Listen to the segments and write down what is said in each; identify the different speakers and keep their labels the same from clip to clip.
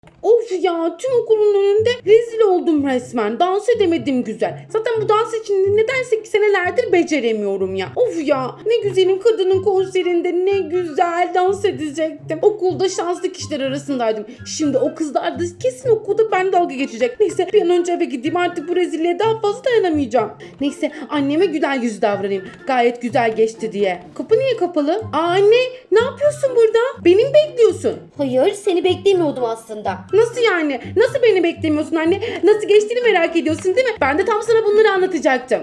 Speaker 1: Of ya, tüm okulun önünde rezil oldum resmen. Dans edemedim güzel. Zaten bu dans için nedense senelerdir beceremiyorum ya. Of ya, ne güzelim, kadının konserinde ne güzel dans edecektim. Okulda şanslı kişiler arasındaydım. Şimdi o kızlar da kesin okulda ben dalga geçecek. Neyse bir an önce eve gideyim, artık bu rezilliğe daha fazla dayanamayacağım. Neyse anneme güzel yüz davranayım. Gayet güzel geçti diye. Kapı niye kapalı? Anne, ne yapıyorsun burada? Beni mi bekliyorsun?
Speaker 2: Hayır, seni beklemiyordum aslında.
Speaker 1: Nasıl yani? Nasıl beni beklemiyorsun anne? Nasıl geçtiğini merak ediyorsun değil mi? Ben de tam sana bunları anlatacaktım.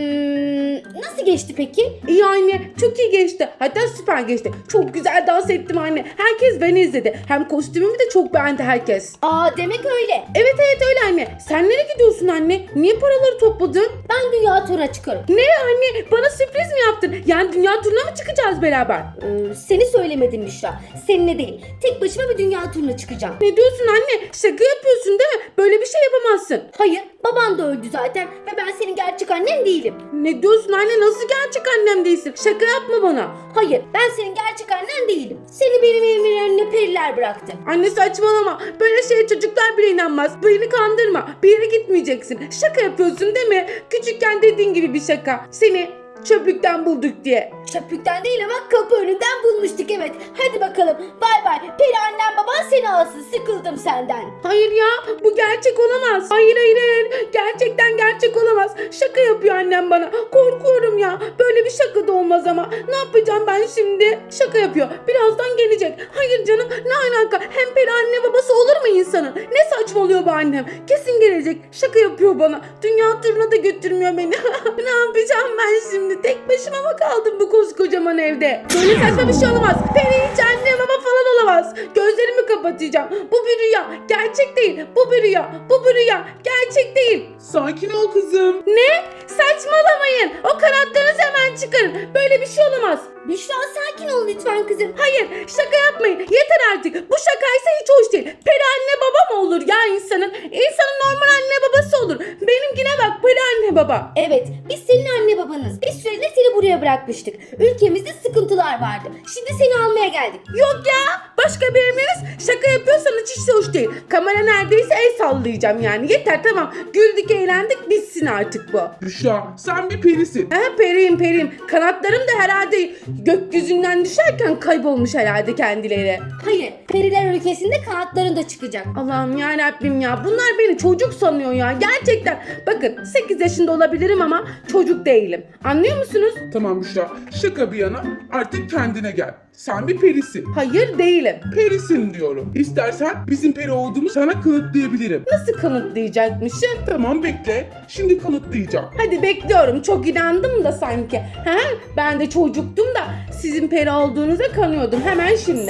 Speaker 2: Nasıl geçti peki?
Speaker 1: İyi anne, çok iyi geçti. Hatta süper geçti. Çok güzel dans ettim anne. Herkes beni izledi. Hem kostümümü de çok beğendi herkes.
Speaker 2: Demek öyle.
Speaker 1: Evet öyle anne. Sen nereye gidiyorsun anne? Niye paraları topladın?
Speaker 2: Ben dünya turuna çıkarım.
Speaker 1: Ne anne? Bana sürpriz mi yaptın? Yani dünya turuna mı çıkacağız beraber?
Speaker 2: Seni söylemedim Büşra. Seninle değil. Tek başıma bir dünya turuna çıkacağım.
Speaker 1: Ne diyorsun anne? Şaka yapıyorsun değil mi? Böyle bir şey yapamazsın.
Speaker 2: Hayır, baban da öldü zaten ve ben senin gerçek annen değilim.
Speaker 1: Ne diyorsun anne? Nasıl gerçek annem değilsin? Şaka yapma bana.
Speaker 2: Hayır, ben senin gerçek annen değilim. Seni benim evimin önüne periler bıraktı.
Speaker 1: Anne saçmalama. Böyle şeye çocuklar bile inanmaz. Beni kandırma. Bir yere gitmeyeceksin. Şaka yapıyorsun değil mi? Küçükken dediğin gibi bir şaka. Seni çöplükten bulduk diye.
Speaker 2: Çöplükten değil ama kapı önünden bulmuştuk, evet. Hadi bakalım. Bay bay. Peri annem baban seni alsın. Sıkıldım senden.
Speaker 1: Hayır ya, bu gerçek olamaz. Hayır. Gerçekten gerçek olamaz. Şaka yapıyor annem bana. Korkuyorum ya. Böyle bir şaka da olmaz ama. Ne yapacağım ben şimdi? Şaka yapıyor. Birazdan gelecek. Hayır canım, ne alaka? Hem peri anne babası olur mu insanın? Ne saçmalıyor bu annem? Kesin gelecek. Şaka yapıyor bana. Dünya turuna da götürmüyor beni. Ne yapacağım ben şimdi? Tek başıma mı kaldım bu koskocaman evde? Böyle saçma bir şey olamaz. Peri hiç anne baba falan olamaz. Gözlerimi kapatacağım. Bu bir rüya. Gerçek değil. Bu bir rüya. Bu bir rüya. Gerçek değil.
Speaker 3: Sakin ol kızım.
Speaker 1: Ne? Saçmalamayın. O kanatlarınızı hemen çıkarın. Böyle bir şey olamaz.
Speaker 2: Büşra sakin ol lütfen kızım.
Speaker 1: Hayır, şaka yapmayın. Yeter artık. Bu şakaysa hiç hoş değil. Peri anne baba mı olur ya insanın? İnsanın normal anne babası olur. Benimkine bak, peri anne baba.
Speaker 2: Evet, biz senin anne babanız. Bir süreliğine seni buraya bırakmıştık. Ülkemizde sıkıntılar vardı. Şimdi seni almaya geldik.
Speaker 1: Yok ya, başka bir emriniz. Şaka yapıyorsanız hiç de hoş değil. Kamera neredeyse el sallayacağım yani. Yeter, tamam. Güldük, eğlendik, bitsin artık bu.
Speaker 3: Büşra, sen bir perisin.
Speaker 1: Periyim. Kanatlarım da herhalde gökyüzünden düşerken kaybolmuş herhalde kendileri.
Speaker 2: Hayır, periler ülkesinde kanatların da çıkacak.
Speaker 1: Allah'ım yarabbim ya. Bunlar beni çocuk sanıyor ya. Gerçekten. Bakın 8 yaşında olabilirim ama çocuk değilim. Anlıyor musunuz?
Speaker 3: Tamam Büşra, şaka bir yana artık kendine gel. Sen bir perisin.
Speaker 1: Hayır değilim.
Speaker 3: Perisin diyorum. İstersen bizim peri olduğumu sana kanıtlayabilirim.
Speaker 1: Nasıl kanıtlayacakmışım?
Speaker 3: Tamam bekle, şimdi kanıtlayacağım.
Speaker 1: Hadi bekliyorum. Çok inandım da sanki. Ben de çocuktum da sizin peri olduğunuza kanıyordum. Hemen şimdi.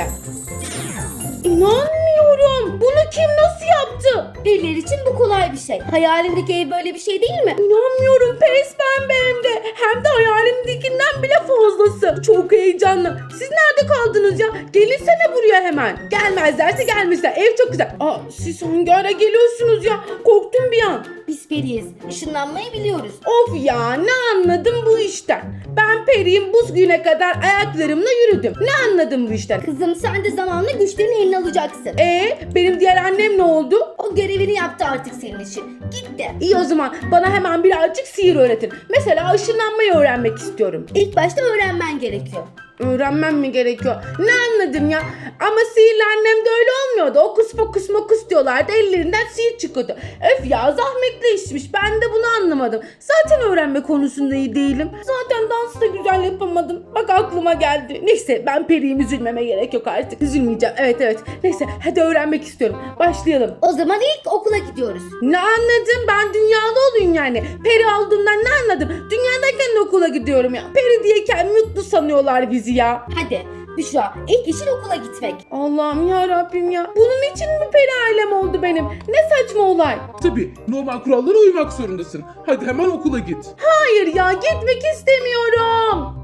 Speaker 1: İnanmıyorum. Bunu kim nasıl yaptı?
Speaker 2: Periler için bu kolay bir şey. Hayalindeki ev böyle bir şey değil mi?
Speaker 1: İnanmıyorum, pes pembe hem de. Hem de hayalimdekinden bile fazlası. Çok heyecanlı. Siz nerede kaldınız ya? Gelinsene buraya hemen. Gelmezlerse gelmişler. Ev çok güzel. Siz hangi ara geliyorsunuz ya? Korktum bir an.
Speaker 2: Biz periyiz. Işınlanmayı biliyoruz.
Speaker 1: Of ya, ne anladım bu işten? Ben periyim, bu güne kadar ayaklarımla yürüdüm. Ne anladım bu işten?
Speaker 2: Kızım sen de zamanla güçlerini eline alacaksın.
Speaker 1: Benim diğer annem ne oldu?
Speaker 2: O görevini yaptı artık senin için. Gitti.
Speaker 1: İyi o zaman bana hemen birazcık sihir öğretin. Mesela ışınlanmayı öğrenmek istiyorum.
Speaker 2: İlk başta öğrenmen gerekiyor.
Speaker 1: Öğrenmem mi gerekiyor? Ne anladım ya? Ama sihirli annemde öyle olmuyordu. Okus pokus mokus diyorlardı. Ellerinden sihir çıkıyordu. Öf ya, zahmetli işmiş. Ben de bunu anlamadım. Zaten öğrenme konusunda iyi değilim. Zaten dansı da güzel yapamadım. Bak aklıma geldi. Neyse, ben periyim, üzülmeme gerek yok artık. Üzülmeyeceğim. Evet. Neyse hadi öğrenmek istiyorum. Başlayalım.
Speaker 2: O zaman ilk okula gidiyoruz.
Speaker 1: Ne anladım? Ben dünyalı olayım yani. Peri olduğundan ne anladım? Dünyadayken de okula gidiyorum ya. Peri diye kendimi mutlu sanıyorlar bizi ya.
Speaker 2: Hadi Büşra, ilk işin okula gitmek.
Speaker 1: Allah'ım ya Rabbim ya. Bunun için mi peri ailem oldu benim? Ne saçma olay.
Speaker 3: Tabii, normal kurallara uymak zorundasın. Hadi hemen okula git.
Speaker 1: Hayır ya, gitmek istemiyorum.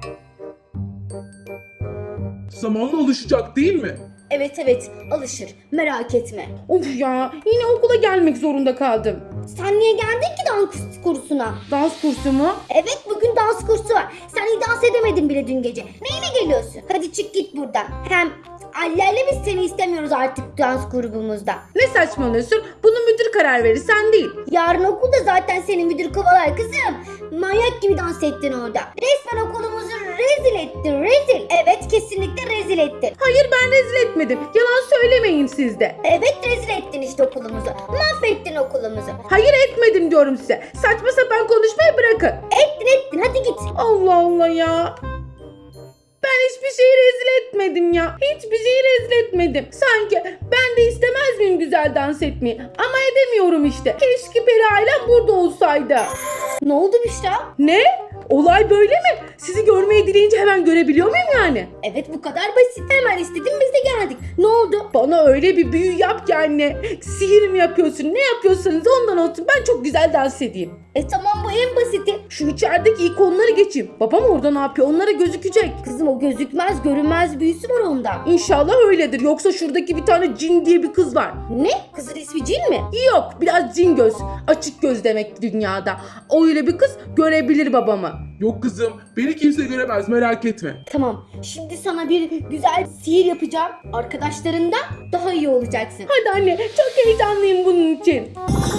Speaker 3: Zamanla alışacak değil mi?
Speaker 2: Evet, alışır. Merak etme.
Speaker 1: Of ya, yine okula gelmek zorunda kaldım.
Speaker 2: Sen niye geldin ki dans kursuna?
Speaker 1: Dans kursu mu?
Speaker 2: Evet, bugün dans kursu var. Sen iyi dans edemedin bile dün gece. Neyine geliyorsun? Hadi çık git buradan. Hem Allerle biz seni istemiyoruz artık dans grubumuzda.
Speaker 1: Ne saçmalıyorsun? Bunu müdür karar verir, sen değil.
Speaker 2: Yarın okulda zaten seni müdür kovalar kızım. Manyak gibi dans ettin orada. Resmen okulumuzu rezil ettin, rezil. Evet, kesinlikle rezil ettin.
Speaker 1: Hayır, ben rezil etmedim. Yalan söylemeyin siz de.
Speaker 2: Evet, rezil ettin işte okulumuzu. Mahvettin okulumuzu.
Speaker 1: Hayır, etmedim diyorum size. Saçma sapan konuşmayı bırakın.
Speaker 2: Ettin, hadi git.
Speaker 1: Allah Allah ya. Ben hiçbir şeyi rezil etmedim ya. Hiçbir şeyi rezil etmedim. Sanki ben de istemez miyim güzel dans etmeyi? Ama edemiyorum işte. Keşke Peri ailem burada olsaydı.
Speaker 2: Ne oldu Büşra?
Speaker 1: Ne? Olay böyle mi? Sizi görmeyi dileyince hemen görebiliyor muyum yani?
Speaker 2: Evet, bu kadar basit. Hemen istedim, biz de geldik. Ne oldu?
Speaker 1: Bana öyle bir büyü yap ki anne. Sihir mi yapıyorsun? Ne yapıyorsanız ondan olsun. Ben çok güzel dans edeyim.
Speaker 2: Tamam, bu en basiti.
Speaker 1: Şu içerideki ikonları geçeyim. Babam orada ne yapıyor? Onlara gözükecek.
Speaker 2: Kızım, o gözükmez, görünmez büyüsü var onda.
Speaker 1: İnşallah öyledir. Yoksa şuradaki bir tane cin diye bir kız var.
Speaker 2: Ne? Kızın ismi Cin mi?
Speaker 1: Yok, biraz cin göz. Açık göz demek dünyada. Öyle bir kız görebilir babamı.
Speaker 3: Yok kızım, beni kimse göremez, merak etme.
Speaker 2: Tamam, şimdi sana bir güzel sihir yapacağım. Arkadaşlarından daha iyi olacaksın.
Speaker 1: Hadi anne, çok heyecanlıyım bunun için.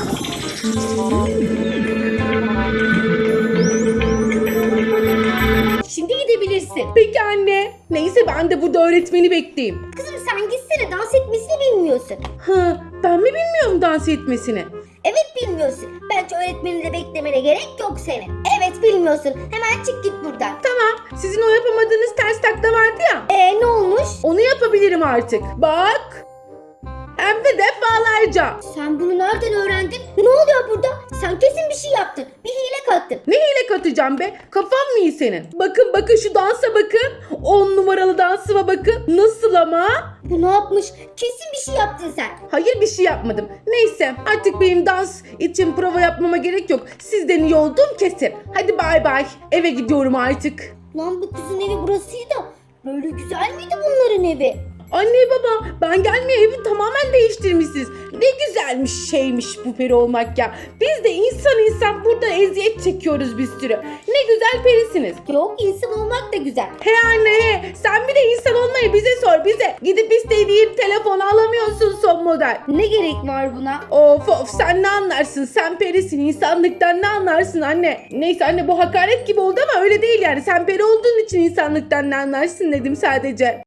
Speaker 2: Şimdi gidebilirsin.
Speaker 1: Peki anne. Neyse, ben de burada öğretmeni bekleyeyim.
Speaker 2: Kızım, sen gitsene, dans etmesini bilmiyorsun.
Speaker 1: Ben mi bilmiyorum dans etmesini?
Speaker 2: Evet, bilmiyorsun. Bence öğretmeni de beklemene gerek yok senin. Evet, bilmiyorsun. Hemen çık git buradan.
Speaker 1: Tamam, sizin o yapamadığınız ters takla vardı ya.
Speaker 2: Ne olmuş?
Speaker 1: Onu yapabilirim artık. Bak. Hem de defalarca.
Speaker 2: Sen bunu nereden öğrendin? Ne oluyor burada? Sen kesin bir şey yaptın. Bir hile kattın.
Speaker 1: Ne hile katacağım be? Kafan mı iyi senin? Bakın şu dansa bakın. 10 numaralı dansıma bakın. Nasıl ama?
Speaker 2: Bu ne yapmış? Kesin bir şey yaptın sen.
Speaker 1: Hayır, bir şey yapmadım. Neyse, artık benim dans için prova yapmama gerek yok. Sizden iyi olduğum kesin. Hadi bay bay. Eve gidiyorum artık.
Speaker 2: Lan, bu kızın evi burasıydı. Böyle güzel miydi bunların evi?
Speaker 1: Anne baba, ben gelmeye evi tamamen değiştirmişsiniz. Ne güzelmiş şeymiş bu peri olmak ya. Biz de insan burada eziyet çekiyoruz bir sürü. Ne güzel perisiniz.
Speaker 2: Yok, insan olmak da güzel.
Speaker 1: He anne he, sen bir de insan olmayı bize sor, bize. Gidip istediğin telefonu alamıyorsun son model.
Speaker 2: Ne gerek var buna?
Speaker 1: Of sen ne anlarsın, sen perisin, insanlıktan ne anlarsın anne. Neyse anne, bu hakaret gibi oldu ama öyle değil yani. Sen peri olduğun için insanlıktan ne anlarsın dedim sadece.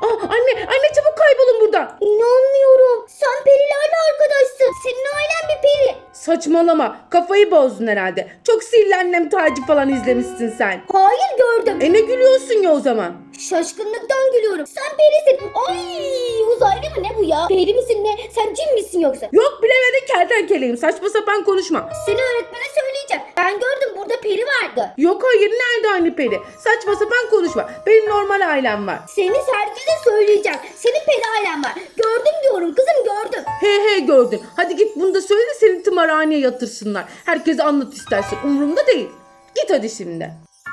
Speaker 1: Anne çabuk kaybolun buradan.
Speaker 2: İnanmıyorum. Sen perilerle arkadaşsın. Senin ailen bir peri.
Speaker 1: Saçmalama, kafayı bozdun herhalde. Çok sihirli annem Tacı falan izlemişsin sen.
Speaker 2: Hayır, gördüm.
Speaker 1: Ne gülüyorsun ya o zaman?
Speaker 2: Şaşkınlıktan gülüyorum. Sen perisin. Ay, uzaylı mı ne bu ya? Peri misin ne? Sen cin misin yoksa?
Speaker 1: Yok, bilemedin, kertenkeleyim, saçma sapan konuşma.
Speaker 2: Seni öğretmene söyleyeceğim. Ben gördüm, burada peri vardı.
Speaker 1: Yok hayır, nerede anne peri? Saçma sapan konuşma. Benim normal ailem var.
Speaker 2: Seni herkese söyleyeceğim. Senin peri ailen var. Gördüm diyorum kızım, gördüm.
Speaker 1: He gördün. Hadi git bunu da söyle de seni tımarhaneye yatırsınlar. Herkese anlat istersen. Umurumda değil. Git hadi şimdi.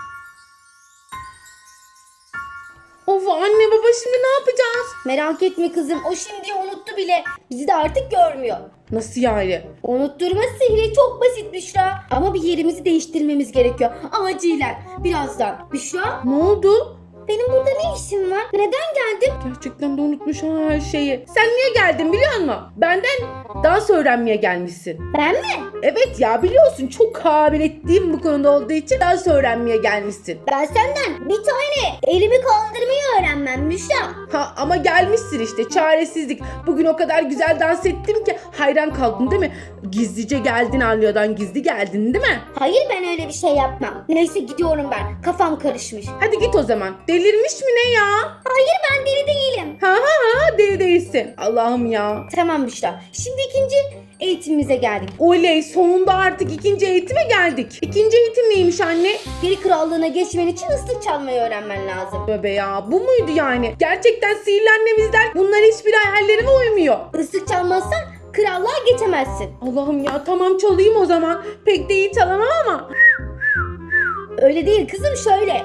Speaker 1: Of anne baba, şimdi ne yapacağız?
Speaker 2: Merak etme kızım, o şimdi unuttu bile. Bizi de artık görmüyor.
Speaker 1: Nasıl yani?
Speaker 2: Unutturma sihri çok basit Büşra. Ama bir yerimizi değiştirmemiz gerekiyor. Acilen. Birazdan. Büşra,
Speaker 1: Ne oldu?
Speaker 2: benim burada ne işim var? Neden geldin?
Speaker 1: Gerçekten de unutmuş her şeyi. Sen niye geldin biliyor musun? Benden dans öğrenmeye gelmişsin.
Speaker 2: Ben mi?
Speaker 1: Evet ya, biliyorsun çok kabiliyetliyim bu konuda olduğu için dans öğrenmeye gelmişsin.
Speaker 2: Ben senden bir tane elimi kaldırmayı öğrenmem Büşra.
Speaker 1: Ama gelmişsin işte, çaresizlik. Bugün o kadar güzel dans ettim ki hayran kaldın değil mi? Gizlice geldin, Alya'dan gizli geldin değil mi?
Speaker 2: Hayır, ben öyle bir şey yapmam. Neyse, gidiyorum ben. Kafam karışmış.
Speaker 1: Hadi git o zaman. Delirmiş mi ne ya?
Speaker 2: Hayır, ben deli değilim.
Speaker 1: Ha deli değilsin. Allah'ım ya.
Speaker 2: Tamam Büşra. Şimdi ikinci eğitimimize geldik.
Speaker 1: Oley, sonunda artık ikinci eğitime geldik. İkinci eğitim neymiş anne?
Speaker 2: Peri krallığına geçmen için ıslık çalmayı öğrenmen lazım.
Speaker 1: Bebe ya, bu muydu yani? Gerçekten sihirli annemizden bunlar hiçbir hayallerime uymuyor.
Speaker 2: Islık çalmazsan krallığa geçemezsin.
Speaker 1: Allah'ım ya, tamam çalayım o zaman. Pek de iyi çalamam ama.
Speaker 2: Öyle değil kızım, şöyle.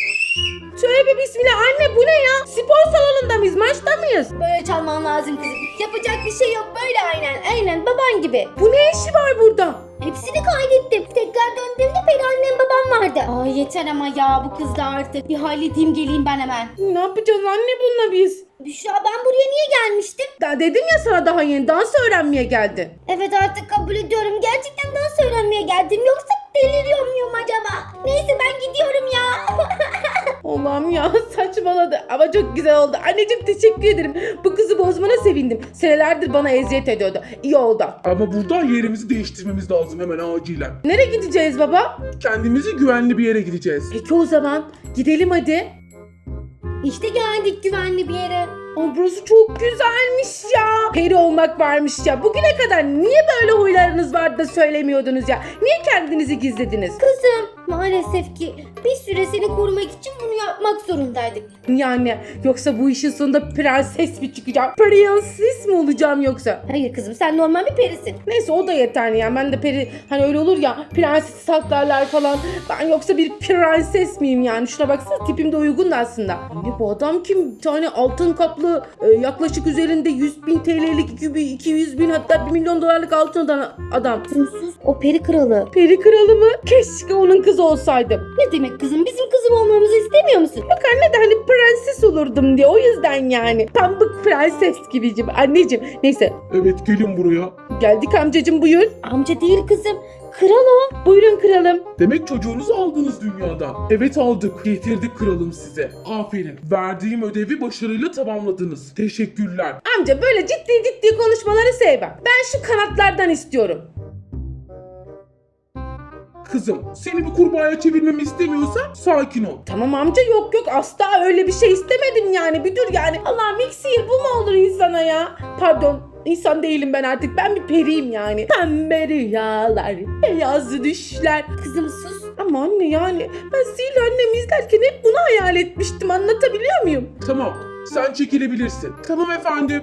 Speaker 1: Tövbe bismillah anne, bu ne ya? Spor salonunda mıyız? Maçta mıyız?
Speaker 2: Böyle çalman lazım kızım. Yapacak bir şey yok, böyle aynen baban gibi.
Speaker 1: Bu ne işi var burada?
Speaker 2: Hepsini kaydettim. Tekrar döndüğümde peri annem babam vardı. Ay yeter ama ya, bu kızla artık. Bir halledeyim, geleyim ben hemen.
Speaker 1: Ne yapacağız anne bununla biz?
Speaker 2: Büşra, ben buraya niye gelmiştim?
Speaker 1: Daha dedim ya sana, daha yeni dans öğrenmeye geldin.
Speaker 2: Evet, artık kabul ediyorum. Gerçekten dans öğrenmeye geldim. Yoksa deliriyor muyum acaba? Neyse, ben gidiyorum ya.
Speaker 1: Allah'ım ya, saçmaladı ama çok güzel oldu. Anneciğim teşekkür ederim. Bu kızı bozmana sevindim. Senelerdir bana eziyet ediyordu. İyi oldu.
Speaker 3: Ama buradan yerimizi değiştirmemiz lazım hemen acilen.
Speaker 1: Nereye gideceğiz baba?
Speaker 3: Kendimizi güvenli bir yere gideceğiz.
Speaker 1: Peki o zaman gidelim hadi.
Speaker 2: İşte geldik güvenli bir yere.
Speaker 1: Aa, burası çok güzelmiş ya. Peri olmak varmış ya. Bugüne kadar niye böyle huylarınız vardı da söylemiyordunuz ya? Niye kendinizi gizlediniz?
Speaker 2: Kızım, maalesef ki bir süre seni korumak için bunu yapmak zorundaydık.
Speaker 1: Yani yoksa bu işin sonunda prenses mi çıkacağım? Prenses mi olacağım yoksa?
Speaker 2: Hayır kızım, sen normal bir perisin.
Speaker 1: Neyse o da yeterli yani. Ben de peri, hani öyle olur ya, prenses saklarlar falan. Ben yoksa bir prenses miyim yani? Şuna baksana, tipim de uygun da aslında. Anne bu adam kim? Bir tane altın kaplı yaklaşık üzerinde 100.000 TL'lik 200.000 hatta 1 milyon dolarlık altın adam.
Speaker 2: Kızım sus, o peri kralı.
Speaker 1: Peri kralı mı? Keşke onun kızı olsaydım.
Speaker 2: Ne demek kızım, bizim kızım olmamızı istemiyor musun?
Speaker 1: Yok anne de hani prenses olurdum diye, o yüzden yani. Pamuk prenses gibicim anneciğim. Neyse
Speaker 3: Evet, gelin buraya.
Speaker 1: geldik amcacığım, buyur.
Speaker 2: Amca değil kızım, kral o.
Speaker 1: Buyurun kralım.
Speaker 3: Demek çocuğunuzu aldınız dünyadan. Evet, aldık. Getirdik kralım size. Aferin. Verdiğim ödevi başarıyla tamamladınız. Teşekkürler.
Speaker 1: Amca böyle ciddi konuşmaları sevmem. Ben şu kanatlardan istiyorum.
Speaker 3: Kızım, seni bir kurbağaya çevirmemi istemiyorsan sakin ol.
Speaker 1: Tamam amca, yok asla öyle bir şey istemedim yani, bir dur yani. Allah'ım, ilk sihir bu mu olur insana ya? Pardon, insan değilim ben artık, ben bir periyim yani. Pembe rüyalar, beyaz düşler.
Speaker 2: Kızım sus.
Speaker 1: Ama anne yani ben sihirli annemi izlerken hep bunu hayal etmiştim, anlatabiliyor muyum?
Speaker 3: Tamam, sen çekilebilirsin. Tamam efendim.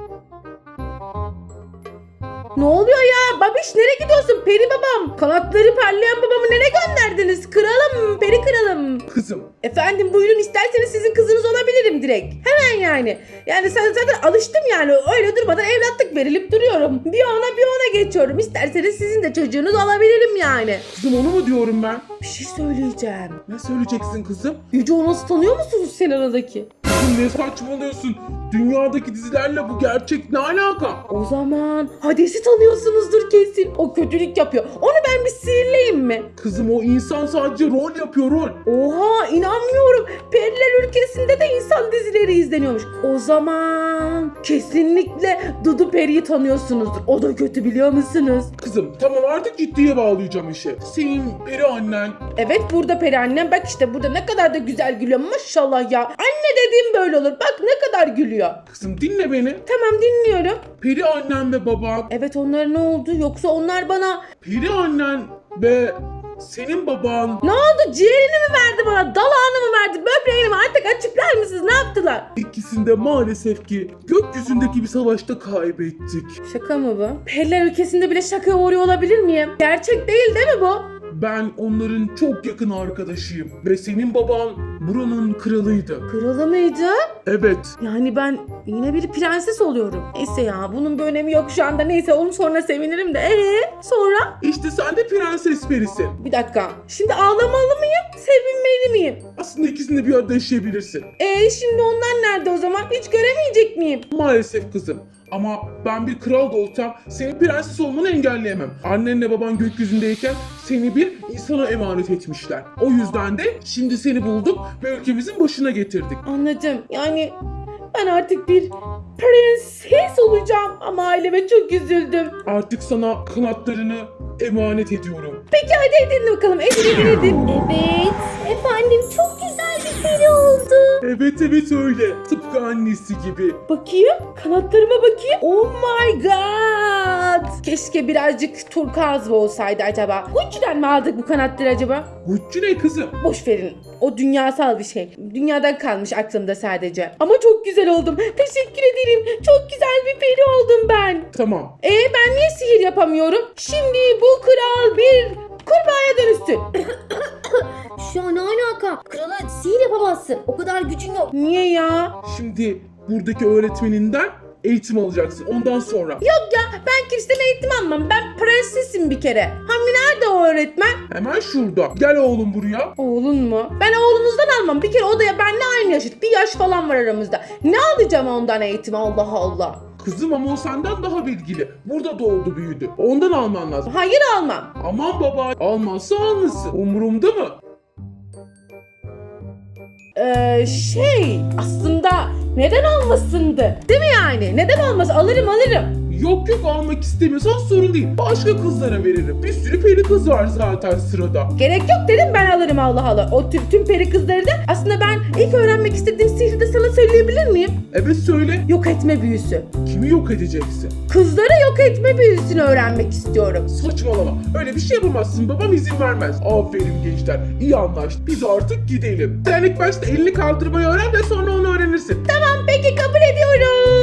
Speaker 1: Ne oluyor ya? Babiş nereye gidiyorsun? Peri babam. Kanatları parlayan babamı nereye gönderdiniz? Kralım, peri kralım.
Speaker 3: Kızım,
Speaker 1: Efendim buyurun, isterseniz sizin kızınız olabilirim direkt. Hemen yani. Yani sen zaten alıştım yani. Öyle durmadan evlatlık verilip duruyorum. Bir ona geçiyorum. İsterseniz sizin de çocuğunuz olabilirim yani.
Speaker 3: kızım onu mu diyorum ben?
Speaker 1: Bir şey söyleyeceğim.
Speaker 3: Ne söyleyeceksin kızım?
Speaker 1: Yüce Onos'u tanıyor musunuz sen aradaki?
Speaker 3: Kızım ne saçmalıyorsun? Dünyadaki dizilerle bu gerçek ne alaka?
Speaker 1: O zaman Hades'i tanıyorsunuzdur kesin. O kötülük yapıyor. Onu ben bir sihirleyeyim mi?
Speaker 3: Kızım o insan sadece rol yapıyor, rol.
Speaker 1: Oha, inanmıyorum. Periler ülkesinde de insan dizileri izleniyormuş. O zaman kesinlikle Dudu Peri'yi tanıyorsunuzdur. O da kötü, biliyor musunuz?
Speaker 3: Kızım tamam, artık ciddiye bağlayacağım işi. Senin peri annen.
Speaker 1: Evet, burada peri annem. Bak işte burada ne kadar da güzel gülüyor. Maşallah ya. Anne dediğim böyle olur. Bak ne kadar gülüyor.
Speaker 3: Kızım dinle beni.
Speaker 1: Tamam, dinliyorum.
Speaker 3: Peri annen ve baban.
Speaker 1: Evet, onlara ne oldu? Yoksa onlar bana
Speaker 3: Peri annen ve senin baban
Speaker 1: ne oldu? Ciğerini mi verdi bana? Dalağını mı verdi? Böbreğini mi? Artık açıklar mısınız? Ne yaptılar?
Speaker 3: ikisinde maalesef ki gökyüzündeki bir savaşta kaybettik.
Speaker 1: Şaka mı bu? Periler ülkesinde bile şakaya uğruyor olabilir miyim? Gerçek değil mi bu?
Speaker 3: Ben onların çok yakın arkadaşıyım ve senin baban buranın kralıydı.
Speaker 1: Kralı mıydı?
Speaker 3: Evet.
Speaker 1: Yani ben yine bir prenses oluyorum. Neyse ya, bunun bir önemi yok şu anda. Neyse, onu sonra sevinirim de. Sonra?
Speaker 3: İşte sen de prenses perisin.
Speaker 1: Bir dakika. Şimdi ağlamalı mıyım? Sevinmeli miyim?
Speaker 3: Aslında ikisini de bir arada yaşayabilirsin.
Speaker 1: Şimdi onlar nerede o zaman? Hiç göremeyecek miyim?
Speaker 3: Maalesef kızım. Ama ben bir kral da olsam senin prenses olmanı engelleyemem. Annenle baban gökyüzündeyken seni bir insana emanet etmişler. O yüzden de şimdi seni bulduk ve ülkemizin başına getirdik.
Speaker 1: Anladım. Yani ben artık bir prenses olacağım ama aileme çok üzüldüm.
Speaker 3: Artık sana kanatlarını emanet ediyorum.
Speaker 1: Peki hadi edin bakalım. Edin.
Speaker 2: Evet efendim, çok güzel bir peri oldu.
Speaker 3: Evet öyle. Tıpkı annesi gibi.
Speaker 1: Bakayım. Kanatlarıma bakayım. Oh my god. Keşke birazcık turkuaz mı olsaydı acaba? Gucci'den mi aldık bu kanatları acaba?
Speaker 3: Gucci ne kızım?
Speaker 1: Boş verin. O dünyasal bir şey. Dünyadan kalmış aklımda sadece. Ama çok güzel oldum. Teşekkür ederim. Çok güzel bir peri oldum ben.
Speaker 3: Tamam.
Speaker 1: Ben niye sihir yapamıyorum? Şimdi bu kral bir kurbağaya dönüşsün.
Speaker 2: Şu an ne alaka? Krala sihir yapamazsın. O kadar gücün yok.
Speaker 1: Niye ya?
Speaker 3: Şimdi buradaki öğretmeninden eğitim alacaksın ondan sonra.
Speaker 1: Yok ya, ben kimseden eğitim almam. Ben prensesim bir kere. Hani nerede o öğretmen?
Speaker 3: Hemen şurada. Gel oğlum buraya.
Speaker 1: Oğlun mu? Ben oğlunuzdan almam. Bir kere o da ya benimle aynı yaşıt. Bir yaş falan var aramızda. Ne alacağım ondan eğitim, Allah Allah.
Speaker 3: Kızım ama o senden daha bilgili. Burada doğdu büyüdü. Ondan alman lazım.
Speaker 1: Hayır, almam.
Speaker 3: Aman baba, almazsa almasın. Umurumda mı?
Speaker 1: Aslında neden olmasındı? Değil mi yani? Neden olmaz? Alırım.
Speaker 3: Yok almak istemiyorsan sorun değil. Başka kızlara veririm. Bir sürü peri kız var zaten sırada.
Speaker 1: Gerek yok dedim, ben alırım, Allah Allah. O tüm peri kızları da aslında ben ilk öğrenmek istediğim sihri de sana söyleyebilir miyim?
Speaker 3: Evet söyle.
Speaker 1: Yok etme büyüsü.
Speaker 3: Kimi yok edeceksin?
Speaker 1: Kızları yok etme büyüsünü öğrenmek istiyorum.
Speaker 3: Saçmalama. Öyle bir şey yapamazsın. Babam izin vermez. Aferin gençler. İyi anlaştık. Biz artık gidelim. Sen ilk başta elini kaldırmayı öğren de sonra onu öğrenirsin.
Speaker 1: Tamam, peki, kabul ediyorum.